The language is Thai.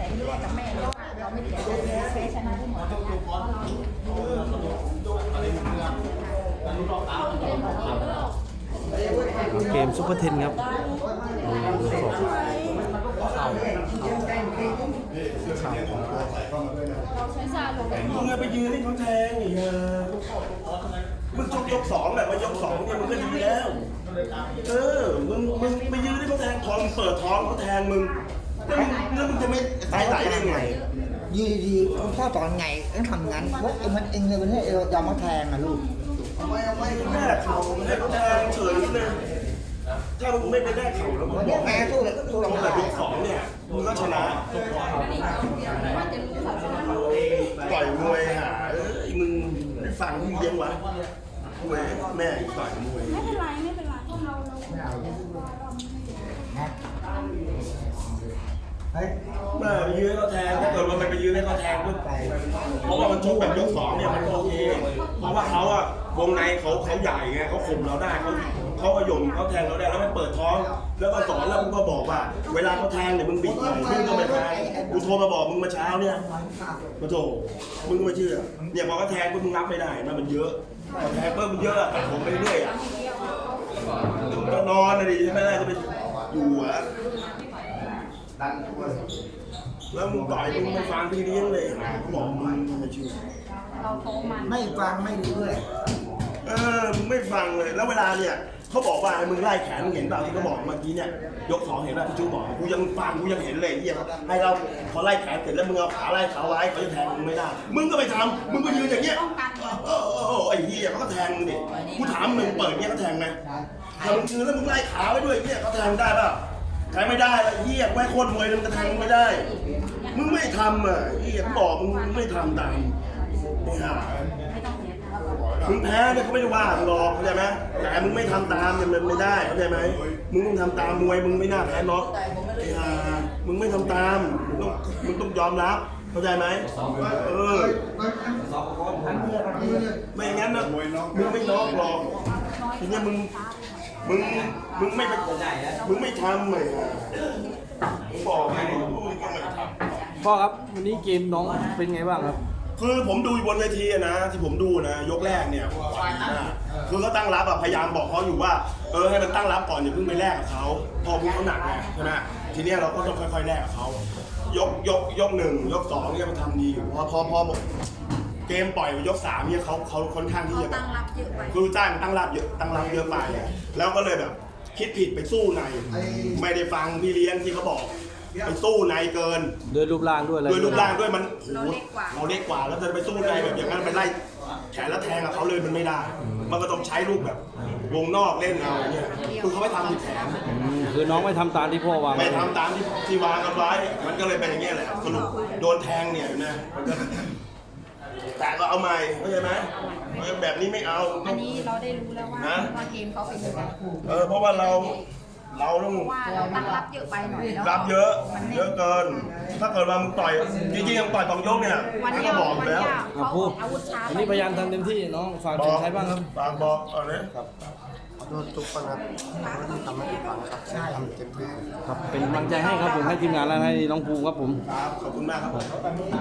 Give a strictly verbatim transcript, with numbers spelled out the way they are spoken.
ที่แรกกับแม่เนี่ยว่าเราไม่เสียใจแพ้ชนะที่หมดเลยเพราะเราเกมซุปเปอร์เทนครับมึงไปยืนให้เขาแทงอีกเออมึงชกยกสองแบบว่ายกสองเนี่ยมึงก็ดีแล้วเออมึงมึงไปยืนให้เขาแทงท้องเปิดท้องเขาแทงมึงแล้วมึงแล้วมึงจะไม่ตายไหลได้ไงยืนดีๆคุณพ่อสอนไงต้องทำงั้นพวกเองมันเองเลยมันให้เรายอมมาแทงอ่ะลูกทำไมทำไมแม่เขาให้เขาแทงเฉยเลยถ้ามึงไม่ไปแลกเขาแล้วมึงบอกแม่สู้เลยสู้เราแต่ยกสองเนี่ยมึงก็ชนะต่อยมวยหาเอ้ยมึงได้ฟังที่เลี้ยงวะมวยแม่ต่อยมวยไม่เป็นไรไม่เป็นไรเราเราเฮ้ยแม่ไปยืนให้เขาแทงถ้าเกิดว่ามันไปยืนให้เขาแทงก็ไปเพราะว่ามันชกแบบยกสองเนี่ยมันโอเคเพราะว่าเขาอะวงในเขาเขาใหญ่ไงเขาข่มเราได้เขาเขาขย่มเขาแทงเราได้แล้วไม่เปิดท้องแล้วก็สอนแล้วมึงก็บอกว่าเวลาเขาแทงเนี่ยมึงบิดหน่อยมึงก็ไม่แทงกูโทรมาบอกมึงเมื่อเช้าเนี่ยมาโถมึงก็ไม่เชื่อเนี่ยพอเขาแทงปุ๊บมึงรับไม่ได้มันมันเยอะพอแทงปุ๊บมันเยอะแต่ผมไปเรื่อยอะก็นอนนะดิใช่ไหมล่ะจะไปอยู่อะแล้วมึงต่อยมึงไม่ฟังพี่เลี้ยงเลยเขาบอกมึงไม่เชื่อเราโตมันไม่ฟังไม่รู้ด้วยเออมึงไม่ฟังเลยแล้วเวลาเนี่ยเขาบอกว่ามึงไล่แขนมึงเห็นเปล่าที่เขาบอกเมื่อกี้เนี่ยยกสองเห็นป่ะที่ชูบอกกูยังฟังกูยังเห็นเลยเหี้ยให้เราพอไล่แขนเสร็จแล้วมึงเอาขาไล่เขาไว้เขาจะแทงมึงไม่ได้มึงก็ไปทำมึงก็ยืนอย่างเงี้ยเออเออไอ้เหี้ยเขาก็แทงมึงดิกูถามมึงเปิดเงี้ยเขาแทงไหมถ้ามึงยืนแล้วมึงไล่ขาไว้ด้วยเงี้ยเขาแทงได้ป่ะแทงไม่ได้ไอ้เหี้ยไม่โคตรมวยมึงจะแทงไม่ได้มึงไม่ทำอ่ะเหี้ยเขาบอกมึงไม่ทำตามไม่หามึงแพ้เนี่ยเขาไม่ได้ว่ามึงหรอกเข้าใจไหมแต่มึงไม่ทำตามเนี่ยมันไม่ได้เข้าใจไหมมึงต้องทำตามมวยมึงไม่น่าแพ้น็อกไอ้ห่ามึงไม่ทำตามมึงต้องมึงต้องยอมรับเข้าใจไหมเออไม่งั้นนะมึงไม่น็อกหรอกทีนี้มึงมึงมึงไม่ไปมึงไม่ทำเลยบอกให้มึงก็ไม่ทำพ่อครับวันนี้เกมน้องเป็นไงบ้างครับคือผมดูบนเวทีนะที่ผมดูนะยกแรกเนี่ยคือเขาตั้งรับอะพยายามบอกเขาอยู่ว่าเออให้มันตั้งรับก่อนอย่าเพิ่งไปแลกกับเขาพอมึงเขาหนักไงใช่ไหมทีนี้เราก็ต้องค่อยๆแลกกับเขายกยกยกหนึ่งยกสองเนี่ยมันทำดีอยู่พอพอพอเกมปล่อยยกสามเนี่ยเขาเขาค่อนข้างที่จะแบบคือจ้างตั้งรับเยอะตั้งรับเยอะไปแล้วก็เลยแบบคิดผิดไปสู้ในไม่ได้ฟังพี่เลี้ยงที่เขาบอกไปสู้ในเกินด้วยรูปร่างด้วยอะไรด้วยรูปร่างด้วยมันเราเล็กกว่าเราเล็กกว่าแล้วจะไปสู้ในแบบอย่างนั้นไปไล่แขนแล้วแทงกับเขาเลยมันไม่ได้มันก็ต้องใช้ลูกแบบวงนอกเล่นเอาเนี่ยคือเขาไม่ทำผิดแผนคือน้องไม่ทำตามที่พ่อวางไม่ทำตามที่ที่วางกันไว้มันก็เลยเป็นอย่างเงี้ยแหละสรุปโดนแทงเนี่ยนะแต่ก็เอาใหม่เข้าใจไหมแบบนี้ไม่เอาอันนี้เราได้รู้แล้วว่าว่าเกมเขาเป็นยังไงเออเพราะว่าเราเราต้องว่าเราตั้งรับเยอะไปหน่อยแล้วรับเยอะเยอะเกินถ้าเกิดว่ามึงต่อยจริงๆยังต่อยตองยกเนี่ยก็บอกแล้วพูดวันนี้พยายามทำเต็มที่น้องฝากถึงใครบ้างครับฝากบอกเอาเลยครับขอโทษทุกคนครับทำให้ผิดหวังครับใช่ทำเต็มที่ครับเป็นกำลังใจให้ครับผมให้ทีมงานและให้น้องภูมิครับผมครับขอบคุณมากครับ